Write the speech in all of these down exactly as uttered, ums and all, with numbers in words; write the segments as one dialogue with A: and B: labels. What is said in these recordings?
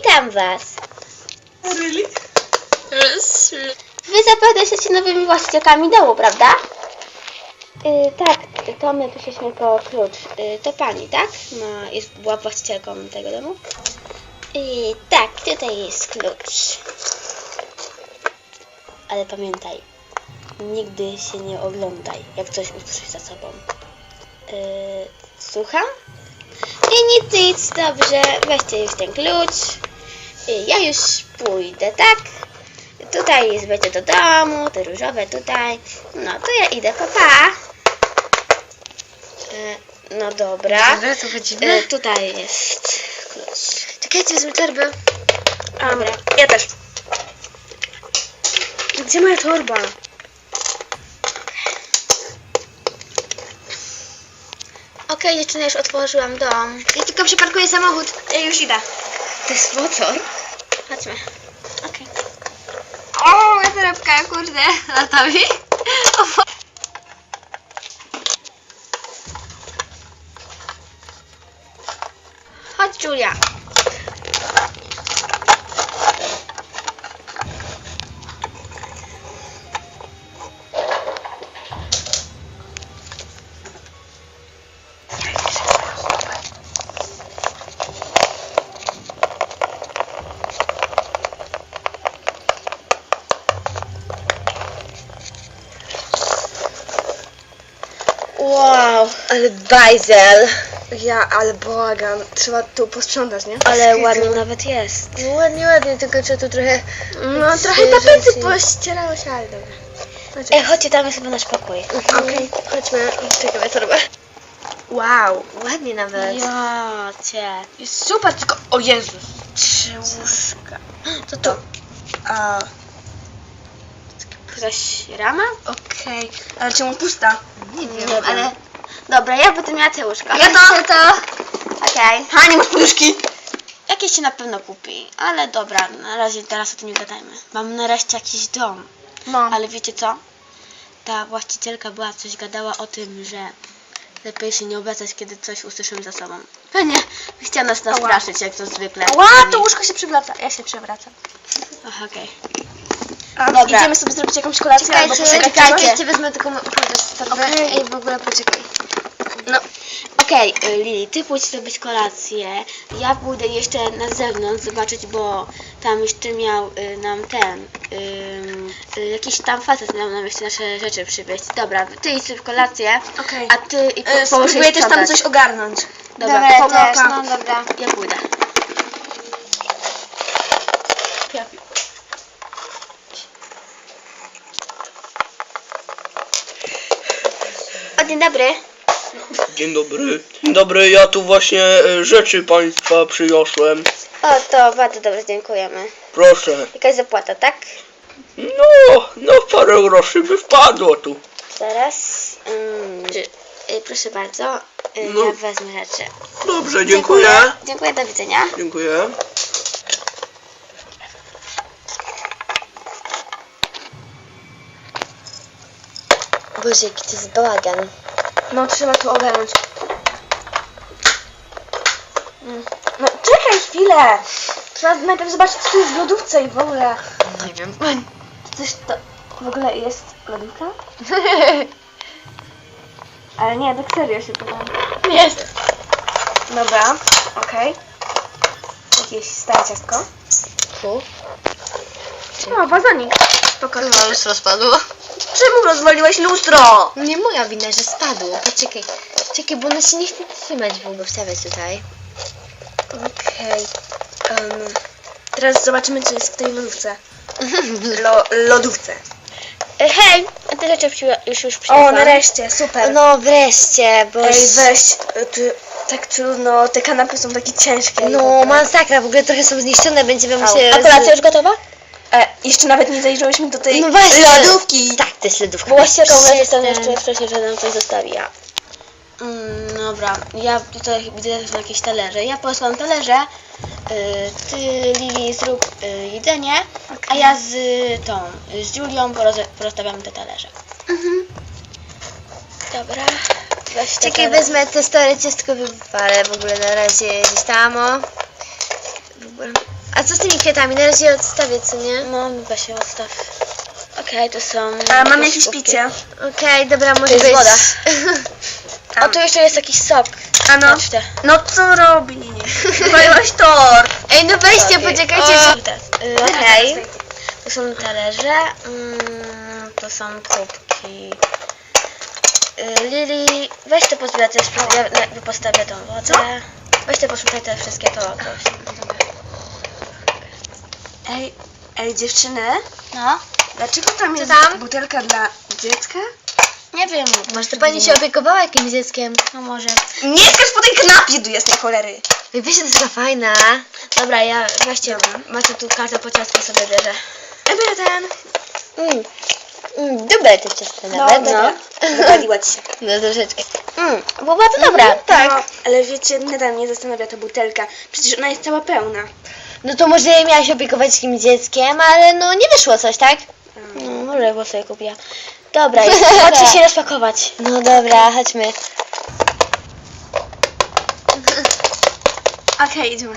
A: Witam was.
B: Really?
A: Wy zapewne jesteście nowymi właścicielkami domu, prawda? Yy, tak, to my przyszliśmy po klucz. Yy, to pani, tak? Ma, jest, była właścicielką tego domu? Yy, tak, tutaj jest klucz. Ale pamiętaj, nigdy się nie oglądaj, jak coś usłyszysz za sobą. Yy, słucham? I nic, nic, dobrze, weźcie już ten klucz. Yy, ja już pójdę, tak? Tutaj jest wejście do domu, te różowe tutaj. No to ja idę, papa. Pa. Yy, no dobra.
B: Dobra, to chodzimy.
A: Yy, tutaj jest klucz.
B: Czekajcie, wezmę torbę. Um,
A: Dobra.
B: ja też. Gdzie moja torba?
A: Okej, dziewczyny, już otworzyłam dom.
B: Ja tylko przeparkuję samochód. Ja już idę.
A: To jest motor. Chodźmy.
B: Okej. O, moja torebka, kurde. Latawi.
A: Chodź, Julia. Wow, ale bajzel.
B: Ja, ale błagam. Trzeba tu posprzątać, nie?
A: Ale ładnie nawet jest.
B: No ładnie, ładnie, tylko trzeba tu trochę... No trochę
A: Świeżo
B: tapety
A: się-
B: pościerało się, ale dobra. Znaczy,
A: Ej, chodźcie, tam jest chyba nasz pokój.
B: Okej, chodźmy. Czekaj, moja torba. Wow, ładnie nawet.
A: Ja cię.
B: Jest super, tylko... O Jezus. Trzy łóżka.
A: To to.
B: A,
A: Jakaś rama?
B: okej. Ale czemu pusta? Nie wiem,
A: wiem.
B: ale...
A: Dobra, ja będę miała te łóżka.
B: Ja to, to.
A: Okej.
B: Ha, nie masz poduszki.
A: Jakieś się na pewno kupi, ale dobra, na razie teraz o tym nie gadajmy. Mam nareszcie jakiś dom.
B: No.
A: Ale wiecie co? Ta właścicielka była coś gadała o tym, że lepiej się nie obracać, kiedy coś usłyszymy za sobą. Pewnie chciała nas nastraszyć, jak to zwykle.
B: Ła, to łóżko się przewraca. Ja się przewracam.
A: Aha, okej.
B: A,
A: Dobra.
B: Idziemy sobie zrobić jakąś kolację
A: Czekajcie,
B: albo poszukać
A: czekajcie.
B: czegoś?
A: Czekajcie,
B: wezmę tylko torbę.
A: Okej.
B: Ej, w ogóle poczekaj.
A: No, okej, y, Lili, ty pójdź zrobić kolację. Ja pójdę jeszcze na zewnątrz zobaczyć, bo tam jeszcze miał y, nam ten, y, y, jakiś tam facet miał nam jeszcze nasze rzeczy przywieźć. Dobra, ty idź sobie w kolację,
B: Okej.
A: a ty i po,
B: E,
A: połóż
B: Spróbuję
A: jej
B: też tam
A: sprzątać.
B: coś ogarnąć.
A: Dobra,
B: Dobra,
A: to
B: pomyłka.
A: też, no dobra, ja pójdę. O, dzień dobry.
C: Dzień dobry. Dzień dobry, ja tu właśnie e, rzeczy państwa przyniosłem.
A: O, to bardzo dobrze, dziękujemy.
C: Proszę.
A: Jakaś zapłata, tak?
C: No, no parę groszy by wpadło tu.
A: Zaraz. Mm, czy, y, proszę bardzo, y,
C: No.
A: ja wezmę rzeczy.
C: Dobrze, dziękuję.
A: Dziękuję, do widzenia.
C: Dziękuję.
A: Boże, jaki to jest bałagan.
B: No, trzeba to ogarnąć. Mm. No, czekaj chwilę. Trzeba najpierw zobaczyć, co tu jest w lodówce i w ogóle.
A: Nie wiem.
B: Czy coś to w ogóle jest lodówka? Ale nie, tak serio się pytam.
A: Jest.
B: Dobra, okej. Jakieś stare ciastko.
A: Tu.
B: O, wazonik. Spokojnie.
A: No, już rozpadło.
B: Czemu rozwaliłeś lustro?
A: Nie moja wina, że spadło. Poczekaj. Czekaj, bo ono się nie chce trzymać w ogóle. Wstawiać tutaj.
B: Okej. Um, teraz zobaczymy, co jest w tej lodówce. Lo, lodówce.
A: E, hej, a te rzeczy przy, już już
B: O,
A: przyniosłam.
B: nareszcie, super.
A: No wreszcie, bo...
B: Ej, weź, ty, tak trudno, te kanapy są takie ciężkie. i w
A: No,
B: ogóle.
A: masakra, w ogóle trochę są zniszczone, będziemy
B: Au.
A: musieli...
B: A kolacja
A: już gotowa?
B: E, jeszcze nawet nie zajrzyłyśmy do tej
A: No właśnie.
B: lodówki.
A: Tak, to jest lodówka.
B: Bo właścicielka u nas jest tam
A: Przestań.
B: jeszcze
A: wcześniej, że nam coś zostawiła. Mm, dobra, ja tutaj widzę, że są jakieś talerze. Ja posłam talerze. Y, ty, Lili, zrób y, jedzenie, a ja z y, tą, z Julią poroz- porozstawiamy te talerze.
B: Mhm.
A: Dobra. Weź te
D: Czekaj,
A: talerze.
D: wezmę te stare ciastko, wypalę w ogóle na razie gdzieś tam, o.
B: ogóle. A co z tymi kwiatami? Na razie odstawię, co nie?
A: No, weź się odstaw. Okej, to są...
B: A mam
A: jakieś
B: jakieś
A: kubki.
B: picie. Okej, dobra, może
A: jest
B: być.
A: woda.
B: A,
A: O, tu jeszcze jest jakiś sok.
B: a no,
A: Patrz te.
B: no co robi? Wywaliłaś tort. Ej, no weźcie,
A: Okej.
B: poczekajcie.
A: O,
B: że-
A: teraz. Y, Okej. Tu są talerze. Mm, to są kubki. Y, Lili, weź te pozbierać, też ja na- postawię tą wodę. Weź te posłuchaj te wszystkie, to, to się
B: Ej, ej, dziewczyny,
A: No,
B: dlaczego tam jest
A: tam?
B: butelka dla dziecka?
A: nie wiem.
B: Może to pani się opiekowała jakimś dzieckiem?
A: No może.
B: Nie skacz po tej kanapie do jasnej cholery. Ej, wiesz, to jest taka fajna.
A: Dobra, ja weźcie, macie tu kartę po ciastku, sobie bierze.
B: Ej, biorę ten.
A: Mm. Mm, dobre te ciasto nawet, no.
B: Wywaliła ci się.
A: No troszeczkę. Mm, bo była to dobra, tak.
B: No, ale wiecie, nadal mnie zastanawia ta butelka. Przecież ona jest cała pełna.
A: No to może miałaś opiekować jakimś dzieckiem, ale no nie wyszło coś, tak? No, może go sobie kupiła. Dobra, jest, chodźcie się rozpakować. No dobra, chodźmy.
B: Okej, idziemy.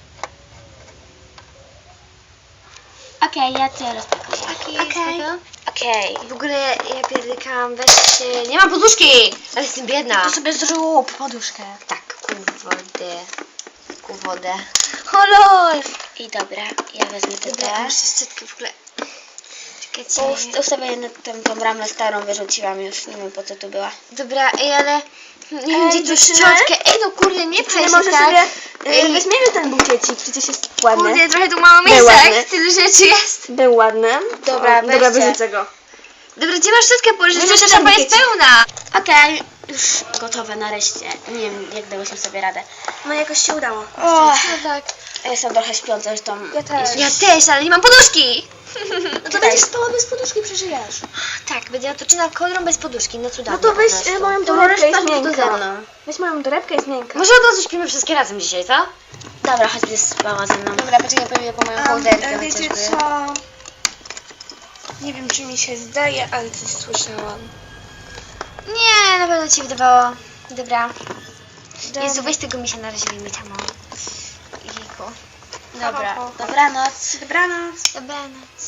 A: Okej, ja cię rozpakuję.
B: Okej.
A: Okej.
B: W ogóle ja pierdykałam, weźcie... Nie mam poduszki! Ale jestem biedna.
A: To sobie
B: zrób poduszkę.
A: Tak, ku wodę. Ku wodę.
B: O lol!
A: I dobra, ja wezmę te
B: Dobra,
A: te.
B: muszę szczotkę w ogóle... Czekajcie.
A: Ust- Ustawię na tę, tą bramę starą, wyrzuciłam już, nie wiem po co tu była.
B: Dobra, ej, ale... Nie
A: Ej,
B: wiem, gdzie tu
A: dziewczyny?
B: szczotkę. Ej, no kurde, nie pchaj
D: Ale
B: się
D: może
B: tak.
D: sobie
B: Ej,
D: y, weźmiemy ten bukiecik, przecież jest ładny.
B: Kurde, trochę tu mało
D: Był
B: miejsca,
D: ładny.
B: jak tyle rzeczy jest.
D: Był ładny.
A: Dobra,
D: O, dobra,
A: weźcie.
D: wyrzucę go.
B: Dobra, gdzie masz szczotkę położyć?
D: Wyrzucę
B: Przecież
D: ten
B: szapa jest
D: bukiecik.
B: pełna.
A: Okej, już gotowe nareszcie. Nie wiem, jak dałyśmy sobie radę.
D: No jakoś się udało.
A: O,
B: No tak.
A: ja jestem trochę śpiąca, zresztą...
D: Ja też.
B: Ja też, ale nie mam poduszki.
D: No to będziesz spała bez poduszki, przeżyjesz.
B: Tak, będzie otoczona kołdrą bez poduszki, no cudownie.
D: No to weź
B: po prostu.
D: y, moją
A: To możesz
D: torebkę, jest
A: spać tu ze
D: miękka.
A: mną.
D: Weź moją torebkę, jest miękka.
B: Może od razu śpimy wszystkie razem dzisiaj, co?
A: Dobra, chodź, będziesz spała ze mną.
B: Dobra, poczekaj, powiem po moją
D: Um,
B: kołderkę
D: wiecie
B: chociażby.
D: co? Nie wiem, czy mi się zdaje, ale coś słyszałam.
B: Nie, na pewno ci wydawało. Dobra.
D: Dobra.
B: Jezu, weź tego misia na razie wyjmij tam. Jejku.
A: Dobra,
D: Ho, ho, ho.
A: dobranoc.
D: Dobranoc.
B: Dobranoc.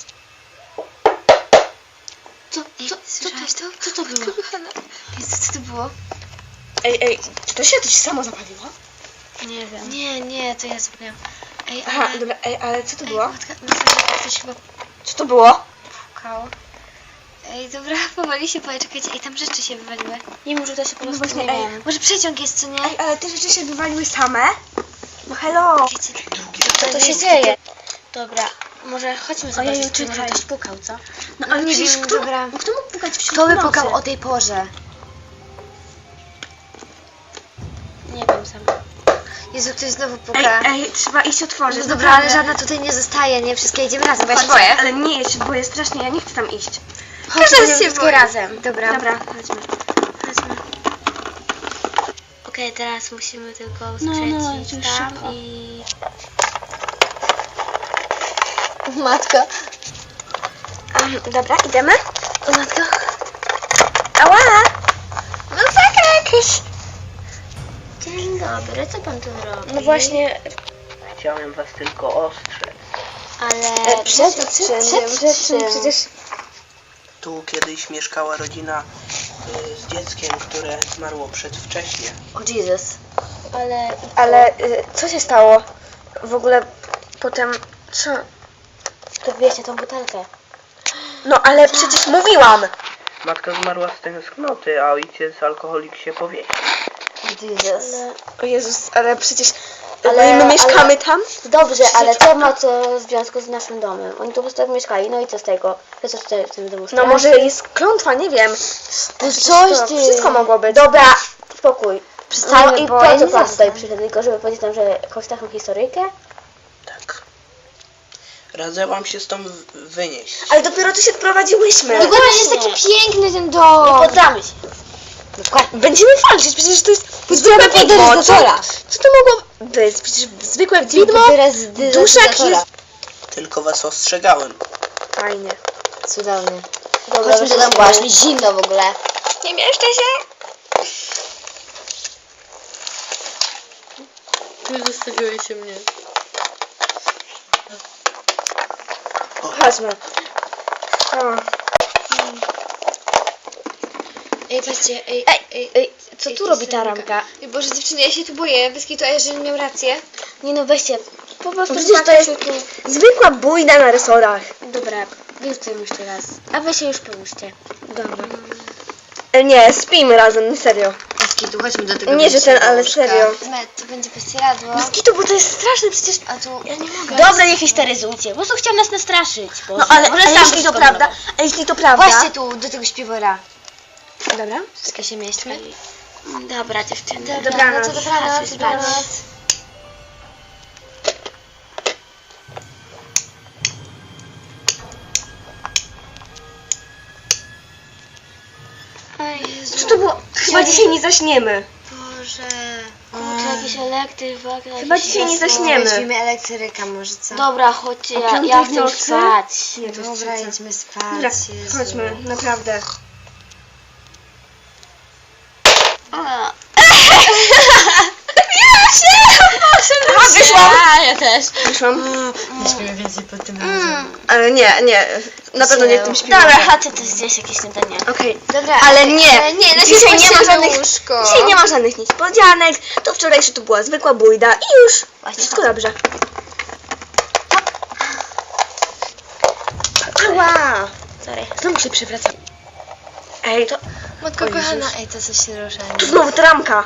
A: Co,
B: Ej,
A: co, co,
B: słyszałaś
A: to,
B: to?
A: co to było?
B: Kochana. Jezu, co to było?
D: Ej, ej, czy to się coś samo zapaliło?
A: Nie wiem.
B: Nie, nie, to ja zapomniałam. Ej,
D: Aha,
B: ale...
D: dobra, ej, ale co to
B: Ej,
D: było?
B: matka, matka, ktoś chyba
D: Co to było?
B: pukał. Ej, dobra, powoli się boję, czekajcie. Ej, tam rzeczy się wywaliły.
A: Nie, może to się po
D: No
A: prostu
D: właśnie,
A: nie
D: ej.
A: wiem.
B: Może przeciąg jest, co nie?
D: Ej, ale te rzeczy się wywaliły same? No hello.
B: Wiecie,
A: Co to się dzieje? Dobra, może chodźmy zobaczyć,
D: Ojeju,
A: czy może
D: czekaj.
A: ktoś pukał, co?
D: No ale
B: nie
D: przecież
B: wiem,
D: kto,
B: dobra.
D: kto mógł pukać w
B: Kto by
D: nocy?
B: pukał o tej porze?
A: Nie wiem sama.
B: Jezu, ktoś znowu
D: Ej,
B: puka.
D: ej, trzeba iść otworzyć.
B: No dobra, ale
D: naprawdę.
B: żadna tutaj nie zostaje, nie? Wszystkie idziemy razem, bo ja się
D: Chodźcie,
B: boję.
D: ale nie, ja się boję strasznie, ja nie chcę tam iść.
B: Chodź,
A: Teraz
B: się
A: wszystkie
B: boję.
A: razem.
B: Dobra.
D: Dobra, chodźmy.
B: Chodźmy.
A: Okej, teraz musimy tylko
D: No,
A: skręcić
D: no, już
A: tam
D: szybko.
A: i...
B: Matka.
D: Um, dobra, idziemy?
B: O matka.
D: Ała!
B: No tak, jakiś.
A: Dzień dobry, co pan tu robi?
D: No właśnie,
C: Chciałem was tylko ostrzec.
A: Ale...
D: e, przed, przed, przed, przed, przed, przecież...
C: Tu kiedyś mieszkała rodzina y, z dzieckiem, które zmarło przedwcześnie.
B: O Jesus.
A: Ale...
D: Ale y, co się stało? W ogóle potem... Co?
A: To wieście tą butelkę.
D: No ale przecież mówiłam!
C: Matka zmarła z tęsknoty, a ojciec alkoholik się powiesił.
B: Jesus.
A: Ale...
D: O Jezus, ale przecież...
A: Ale-
D: Ale, my mieszkamy
A: ale-
D: tam?
A: Dobrze, ale to ma co w związku z naszym domem. Oni tu po prostu tak mieszkali, no i co z tego? To co tutaj w tym domu
D: No
A: stało?
D: może jest klątwa, nie wiem.
A: No
D: Przecież
A: coś
D: to
A: ty...
D: Wszystko mogło być.
A: Dobra, spokój.
B: Przestańmy,
A: No i
B: bo
A: po
B: ja
A: co
B: nie
A: pan
B: zasnę.
A: tutaj przyszedł? Tylko żeby powiedzieć nam, że jakąś taką historyjkę?
C: Tak. Radzę wam się stąd w- wynieść.
D: Ale dopiero tu się wprowadziłyśmy.
A: No
B: Tylko jest
A: właśnie.
B: taki piękny ten
A: Nie
B: dom.
A: poddamy się.
D: Będziemy walczyć, przecież to jest zwykłe
B: Zwykłe
D: widmo. Co,
B: deryzatora.
D: co to mogło być? Przecież zwykłe widmo, duszek
B: Duszek
D: jest...
C: Tylko was ostrzegałem.
D: Fajnie.
B: Cudownie.
A: Dobra,
B: Chodźmy do
A: weszliśmy.
B: domu, bo aż mi zimno w ogóle.
D: Nie mieszczę się?
A: Nie zostawiłeś się mnie.
B: Chodźmy. O.
D: Ej, patrzcie, ej,
A: Ej,
D: ej,
A: ej, co
D: ej,
A: tu
D: to
A: robi ta
D: seryjka.
A: ramka?
D: Ej, Boże, dziewczyny, ja się tu boję. Bez kitu, a jeżeli miał rację.
A: Nie no, weźcie, po prostu
B: Przecież to
A: zobaczcie
B: jest
A: tu.
B: zwykła bójda na resorach.
A: Dobra, wyrzucę jeszcze raz. A wy się już połóżcie.
B: Dobra. E, Nie, spijmy razem, serio.
D: Bez kitu, chodźmy do tego.
B: Nie, że ten, ale serio.
D: Met, to będzie prześcieradło.
B: Bez kitu, bo to jest straszne przecież.
D: A tu... Ja nie mogę.
A: Dobra, niech histeryzujcie. Po prostu chciał nas nastraszyć. Boże.
B: No ale,
A: Może
B: ale
A: sam
B: jeśli
A: byś
B: to
A: skombinował.
B: prawda, a jeśli to prawda...
D: Właśnie tu, do tego śpiwora.
B: Dobra.
D: Wszystkie się mieśmy.
A: Dobra, dziewczyny.
B: Dobranoc.
D: No to dobranoc,
A: Chodźcie spać.
D: dobranoc.
A: Oj, Jezu.
B: Co to było? Chyba dzisiaj nie zaśniemy.
D: Boże.
A: Kurczę, jakiś elektryk, w ogóle
B: Chyba
A: jakieś
B: dzisiaj nie
A: światło.
B: zaśniemy.
D: Weźmiemy elektryka może, co?
A: Dobra, chodźcie,
B: O
A: ja,
B: piątej
A: ja
B: w
A: chcę już
B: nocy?
A: spać.
B: Nie, to jest
D: Dobra,
B: trzecia.
D: jedźmy spać.
B: Dobra,
D: Jezu.
B: chodźmy, naprawdę.
A: A.
B: A, wyszłam!
D: A, ja też.
B: Wyszłam.
D: Nie śpimy więcej pod tym razem.
B: Ale nie, nie, na pewno nie w tym śpiewaniu.
A: Dobra, chodźcie, to jest gdzieś jakieś śniadanie.
B: Okej,
D: Dobra,
B: ale nie,
D: ale nie, na
B: dzisiaj nie ma
D: na
B: żadnych,
D: łóżko.
B: dzisiaj nie ma żadnych niespodzianek, to wczorajsze to była zwykła bójda i już,
A: Właśnie
B: wszystko
A: tak.
B: dobrze. Ała!
A: Sorry.
B: Znowu się przewracam. Ej, to,
D: Matko
B: O Jezus.
D: kochana, ej, to coś się rusza.
B: tu znowu ta ramka.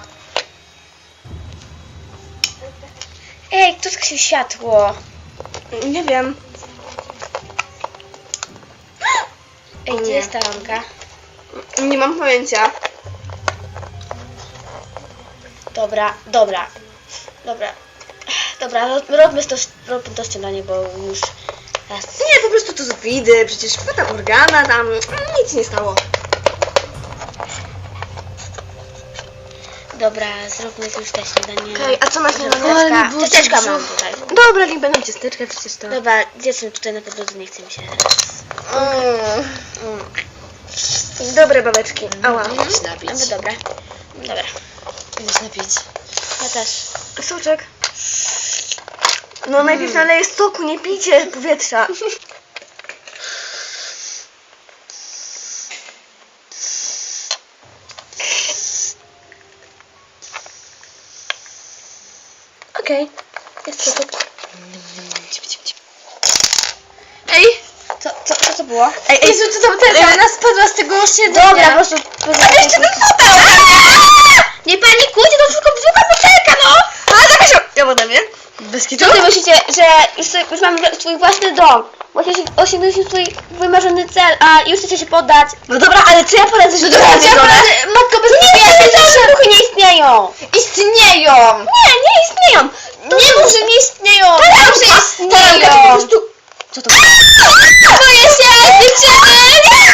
A: Ej, kto zgasił światło?
B: Nie wiem.
A: Ej, gdzie
B: Nie.
A: jest ta ramka?
B: Nie mam pojęcia.
A: Dobra, dobra. Dobra. Dobra, rob- robmy to, robmy to śniadanie, bo już raz.
B: Nie, po prostu to z widy, przecież potem organa tam, nic nie stało.
A: Dobra, zróbmy już te śniadanie.
B: Okej, a co na śniadanie?
D: Ale mi
A: Ciasteczka,
D: burczy
A: ciasteczka
D: brzuch.
A: mam tutaj.
B: Dobra, niech będą ciasteczka, przecież to...
A: Dobra, dziewczyny tutaj na podłodze, nie chce mi się teraz.
B: Mm.
A: Mm.
B: Dobre babeczki. Ała.
D: Idę się napić.
A: No dobra. Dobra.
D: Idę się napić.
A: Ja też.
B: Soczek. No najpierw naleję soku, nie pijcie powietrza. Okej, jest soczek.
A: Ej! Co, co, co to było?
B: Ej, ej,
D: Jezu, co tam teraz? Ona spadła z tego siedzenia.
A: Dobra, po prostu...
B: ale jeszcze ten fotel!
A: Nie panikujcie, to tylko brzydka butelka, no!
B: A, zakaz ja wodę, nie?
D: Bez kitu?
A: Co wy myślicie, że już, sobie, już mamy swój własny dom? Właśnie się- osiągnęliśmy swój wymarzony cel, a już chcecie się poddać?
B: No dobra, ale co ja poradzę, że to
A: Ja
B: jest żona?
A: poradzę- Matko, bez nie, te duchy nie istnieją!
D: Istnieją!
A: Nie, nie istnieją! To nie mów, że nie istnieją!
B: Ta
A: Mów,
B: ramka,
A: że
B: ta ramka to po
A: istnieją!
B: prostu...
A: Co to było? Boję się, dziewczyny!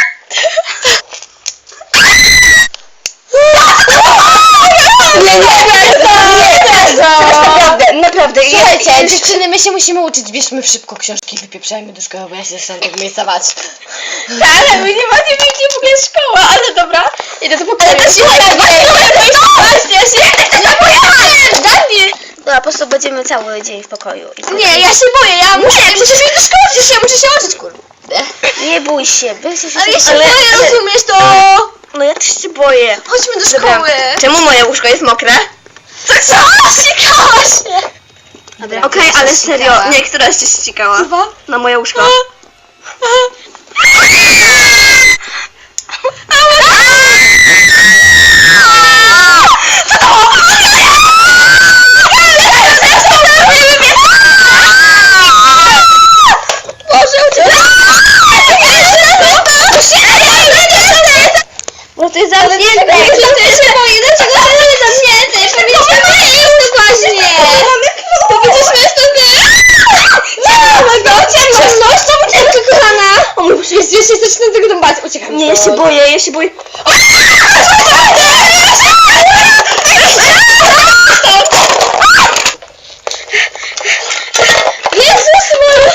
B: Nie, nie, nie, nie, naprawdę, naprawdę.
D: Słuchajcie,
B: jest-
D: dziewczyny, my się musimy uczyć. Bierzmy szybko książki i wypieprzajmy do szkoły, bo ja się z tego miejsca bać.
A: Ale my nie macie nigdzie w ogóle szkoła, ale dobra. Idę do pokoju.
B: Ale to się nie
A: Właśnie, ja się... Daj mi! Dobra, po prostu będziemy cały dzień w pokoju. I
B: Nie, ja się boję, ja muszę, przecież iść do szkoły, przecież ja muszę się uczyć, kurde.
A: Nie bój się, wy się
B: Ale ja się
A: ale-
B: boję,
A: ale-
B: rozumiesz to?
A: No ja też się boję.
B: Chodźmy do
A: Dobra.
B: szkoły. Czemu moje łóżko jest mokre? Co? Co? Ścikała się.
A: Dobra.
B: Okej, ale serio,
D: ścikała.
B: nie, która się ścikała?
A: Chyba?
B: Na moje łóżko.
A: Bo to jest zamknięte.
B: To jest moje, dlaczego to jest zamknięte? Powiedzieliśmy jest to właśnie. Powiedzieliśmy jest to nie. Nie, go, ciemność, to uciekaj, kochana.
D: O mój Boże, jest, jest, jest, zaczynam tego dom bać. Uciekam.
B: Nie, ja się boję, ja się boję.
A: Jezus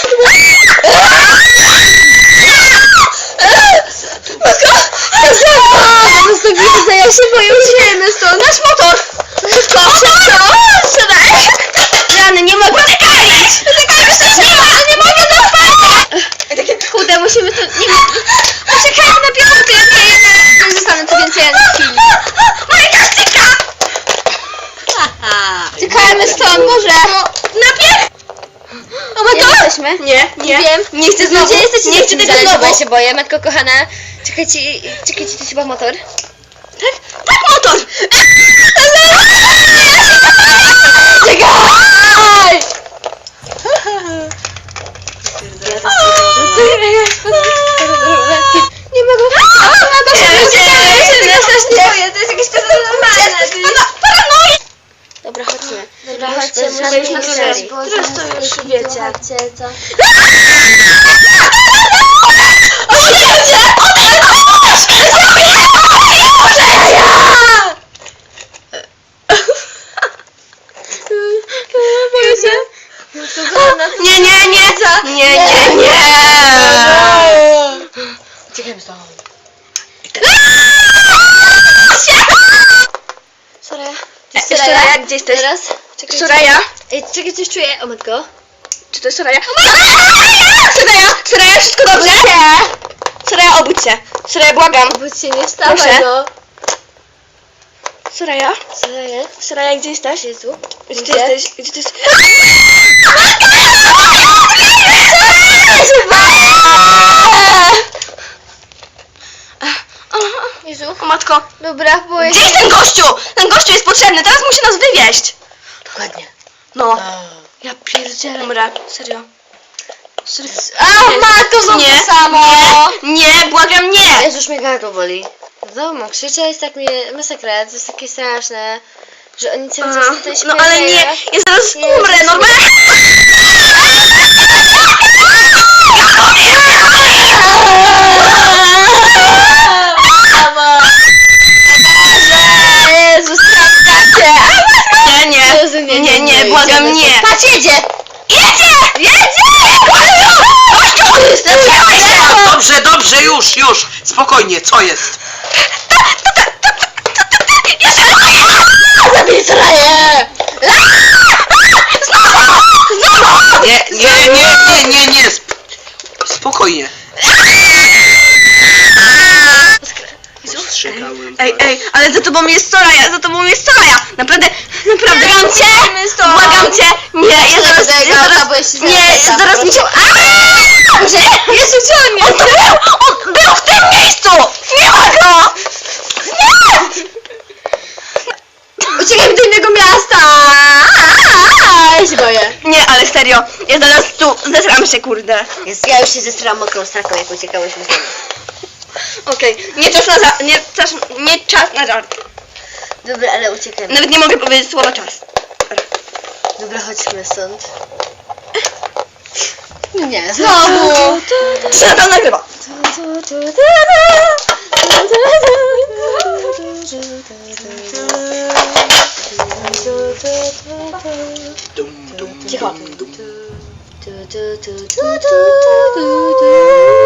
B: Po prostu widzę, ja się boję, uciekajmy stąd. Nasz motor. Szybko, szybko. Siadaj.
A: Rany, nie mogę uciekać!
B: Uciekajmy, szybko. chodźmy?
C: Nie, nie.
B: Wiem.
C: Nie chcę znowu.
B: Gdzie jesteście?
C: Nie chcę tego
B: Bo
C: znowu.
B: ja się boję, matko kochana. Czekajcie, czekajcie, to chyba motor.
C: Tak, tak, motor.
B: Czekaj! Nie mogę.
C: To jest jakieś to normalne.
A: Dobra, chodźmy.
B: Dobra,
A: Już
B: chodźcie,
A: bez
B: musimy
A: żadnych
B: iść na
A: misterii.
B: górę.
D: Teraz to już wiecie.
B: Słuchajcie, co?
C: Nie, nie, nie. Nie, nie, nie.
B: Uciekajmy stąd.
A: Sorry.
C: E, Soraya, gdzie jesteś?
B: Teraz? Czekaj,
C: Soraya?
B: Ej, czekaj, coś czuję. O matko.
C: Czy to jest Soraya? Soraya, Soraya, wszystko dobrze? Soraya, obudź się. Soraya, błagam.
B: Budź się, nie wstawaj,
C: Proszę.
B: no.
C: Soraya?
B: Co jest?
C: Soraya, gdzie jesteś?
B: Jezu.
C: Gdzie ty
B: Gdzie?
C: jesteś? Gdzie ty jesteś?
B: Jezu.
C: O matko,
B: Dobra, boję
C: gdzie
B: się.
C: jest ten gościu? Ten gościu jest potrzebny, teraz musi nas wywieźć.
B: Dokładnie.
C: No.
B: Ja pierdzielę.
C: Dobra, serio.
B: A, matko, znowu
C: Nie,
B: to samo.
C: nie, nie, błagam, nie.
B: Jezu, już mnie gardło boli. Znowu mam krzyczeć, tak mnie masakra, to jest takie straszne, że oni cały czas tutaj
C: No ale nie,
B: śpiewają.
C: ja zaraz
B: Nie,
C: umrę,
B: to-
C: normalnie.
B: Jezu, sprawdzacie.
C: Nie, nie,
B: Jezu, nie,
C: nie, nie, błagam,
B: idziemy.
C: nie.
B: Patrz, jedzie.
C: Jedzie! Jedzie! Gościu! Zatrzymaj się!
E: Dobrze, dobrze, już, już. Spokojnie, co jest?
B: Zabij Soraję.
E: Nie, nie, nie, nie, nie, nie. Sp- spokojnie. Ostrzegałem.
C: Ej, ej, ale za tobą jest Soraya, za tobą jest Soraya! Naprawdę, naprawdę, błagam cię! Błagam cię! Nie, ja zaraz,
B: będę
C: ja
B: grała,
C: zaraz,
B: bo jeśli
C: nie,
B: znajdę
C: zaraz
B: tam,
C: mi się... Boże, Jezu, gdzie on jest? On był, on był w tym miejscu! Nie ma go! Nie!
B: Uciekaj do innego miasta. Ja się boję.
C: Nie, ale serio, ja zaraz tu zesram się, kurde.
B: Jest, ja już się zestrałam mokrą straką, jak uciekałyśmy z domu.
C: Okej, nie czas na za... nie czas, nie czas na żart.
B: Dobra, ale uciekajmy.
C: Nawet nie mogę powiedzieć słowa czas.
B: Dobra, chodźmy stąd. Nie, znowu.
C: Czy na to nagrywa?
E: Dum, dum,
B: Cicho.
E: dum, dum.
B: Tu, tu, tu, tu, tu, tu, tu, tu.